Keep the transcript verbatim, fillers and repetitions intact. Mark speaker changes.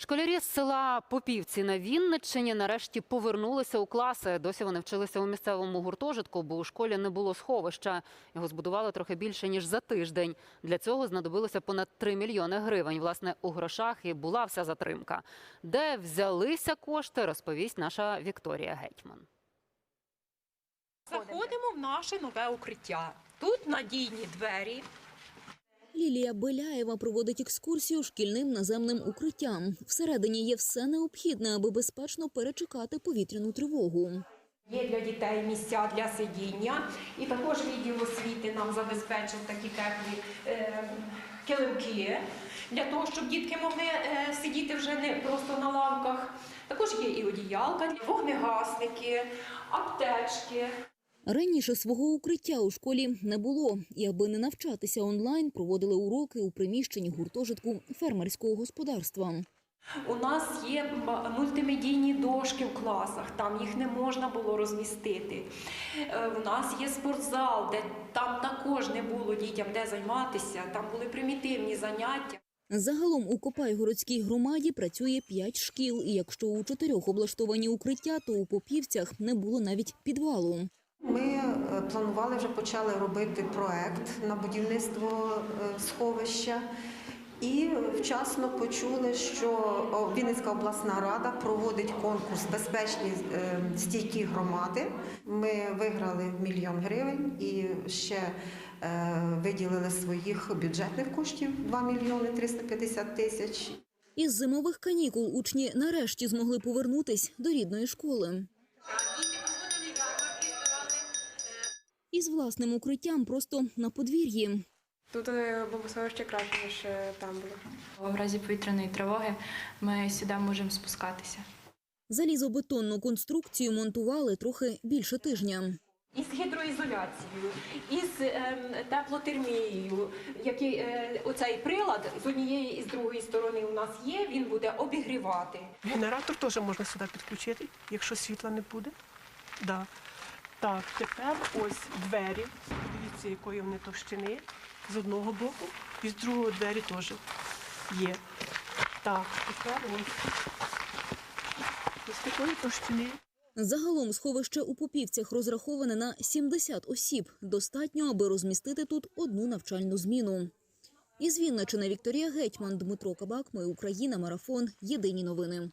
Speaker 1: Школярі з села Попівці на Вінниччині нарешті повернулися у класи. Досі вони вчилися у місцевому гуртожитку, бо у школі не було сховища. Його збудували трохи більше, ніж за тиждень. Для цього знадобилося понад три мільйони гривень. Власне, у грошах і була вся затримка. Де взялися кошти, розповість наша Вікторія Гетьман.
Speaker 2: Заходимо в наше нове укриття. Тут надійні двері.
Speaker 3: Лілія Беляєва проводить екскурсію шкільним наземним укриттям. Всередині є все необхідне, аби безпечно перечекати повітряну тривогу.
Speaker 2: Є для дітей місця для сидіння. І також відділ освіти нам забезпечив такі теплі е, килимки, для того, щоб дітки могли е, сидіти вже не просто на лавках. Також є і одіялка, вогнегасники, аптечки.
Speaker 3: Раніше свого укриття у школі не було. І аби не навчатися онлайн, проводили уроки у приміщенні гуртожитку фермерського господарства.
Speaker 2: У нас є мультимедійні дошки в класах, там їх не можна було розмістити. У нас є спортзал, де там також не було дітям де займатися, там були примітивні заняття.
Speaker 3: Загалом у Копайгородській громаді працює п'ять шкіл. І якщо у чотирьох облаштовані укриття, то у Попівцях не було навіть підвалу.
Speaker 4: Ми планували, вже почали робити проект на будівництво сховища. І вчасно почули, що Вінницька обласна рада проводить конкурс «Безпечні стійкі громади». Ми виграли мільйон гривень і ще виділили своїх бюджетних коштів два мільйони триста п'ятдесят тисяч.
Speaker 3: Із зимових канікул учні нарешті змогли повернутись до рідної школи. Із власним укриттям просто на подвір'ї.
Speaker 5: Тут бомбосховище краще, ніж там було. В разі повітряної тривоги ми сюди можемо спускатися.
Speaker 3: Залізобетонну конструкцію монтували трохи більше тижня.
Speaker 2: Із гідроізоляцією, із е, теплотермією, який е, оцей прилад з однієї і з другої сторони у нас є, він буде обігрівати.
Speaker 6: Генератор теж можна сюди підключити, якщо світла не буде. Да. Так, тепер ось двері, дивіться, якої вони товщини, з одного боку, і з другого двері теж є. Так, тепер ось, ось такої товщини.
Speaker 3: Загалом сховище у Попівцях розраховане на сімдесят осіб. Достатньо, аби розмістити тут одну навчальну зміну. Із Вінниччини Вікторія Гетьман, Дмитро Кабак, Ми Україна, Марафон. Єдині новини.